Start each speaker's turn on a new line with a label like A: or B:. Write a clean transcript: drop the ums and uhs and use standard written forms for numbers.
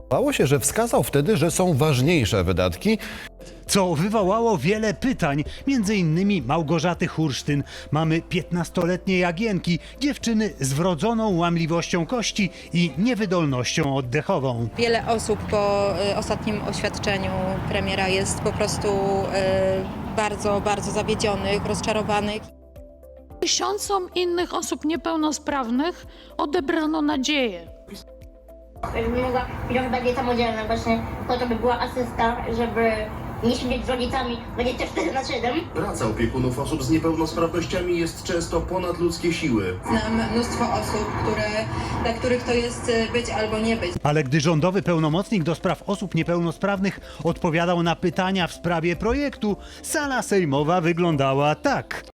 A: Bało się, że wskazał wtedy, że są ważniejsze wydatki.
B: Co wywołało wiele pytań, między innymi Małgorzaty Hursztyn, mamy 15-letniej Jagienki, dziewczyny z wrodzoną łamliwością kości i niewydolnością oddechową.
C: Wiele osób po ostatnim oświadczeniu premiera jest po prostu bardzo, bardzo zawiedzionych, rozczarowanych.
D: Tysiącom innych osób niepełnosprawnych odebrano nadzieję.
E: Żeby mogła być bardziej samodzielna, właśnie po to by była asysta, żeby nie siedzieć z rodzicami 24/7.
F: Praca opiekunów osób z niepełnosprawnościami jest często ponad ludzkie siły.
C: Znam mnóstwo osób, dla których to jest być albo nie być.
B: Ale gdy rządowy pełnomocnik do spraw osób niepełnosprawnych odpowiadał na pytania w sprawie projektu, sala sejmowa wyglądała tak.